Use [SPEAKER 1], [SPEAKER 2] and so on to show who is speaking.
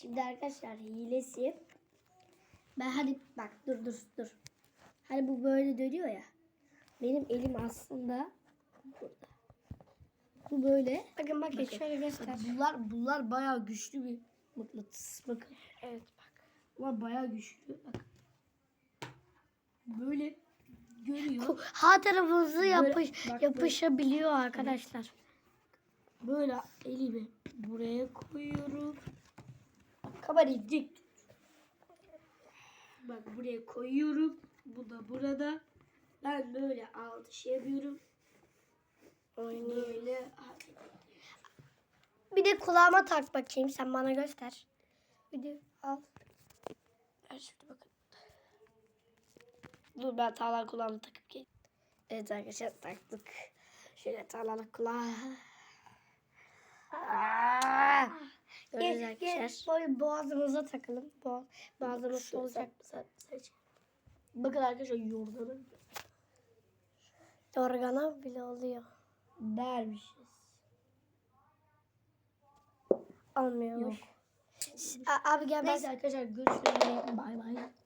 [SPEAKER 1] Şimdi arkadaşlar hilesi. Ben hadi bak dur. Hani bu böyle dönüyor ya. Benim elim aslında burada. Bu böyle.
[SPEAKER 2] Bakın şöyle göster.
[SPEAKER 1] Bunlar bayağı güçlü bir mıknatıs. Bakın.
[SPEAKER 2] Evet bak.
[SPEAKER 1] Bunlar bayağı güçlü. Bak. Böyle görüyor.
[SPEAKER 2] Her tarafınızı
[SPEAKER 1] bak,
[SPEAKER 2] yapışabiliyor arkadaşlar.
[SPEAKER 1] Böyle elimi buraya koyuyorum. Kamerayı dik tut. Bak buraya koyuyorum. Bu da burada. Ben böyle altı yapıyorum. Böyle.
[SPEAKER 2] Bir de kulağıma tak bakayım. Sen bana göster. Bir de al.
[SPEAKER 1] Ver şurada bakın. Dur ben tağlar kulağımı takıp geleyim. Evet arkadaşlar taktık. Şöyle tağlarla kulağı.
[SPEAKER 2] Gel, böyle boğazımıza takalım. Boğazımız olacak.
[SPEAKER 1] Bakın arkadaşlar yorganı
[SPEAKER 2] Organa bile oluyor.
[SPEAKER 1] dermişiz.
[SPEAKER 2] Olmuyormuş.
[SPEAKER 1] Yok.
[SPEAKER 2] Abi gel
[SPEAKER 1] Neyse arkadaşlar görüşürüz. Bay bay.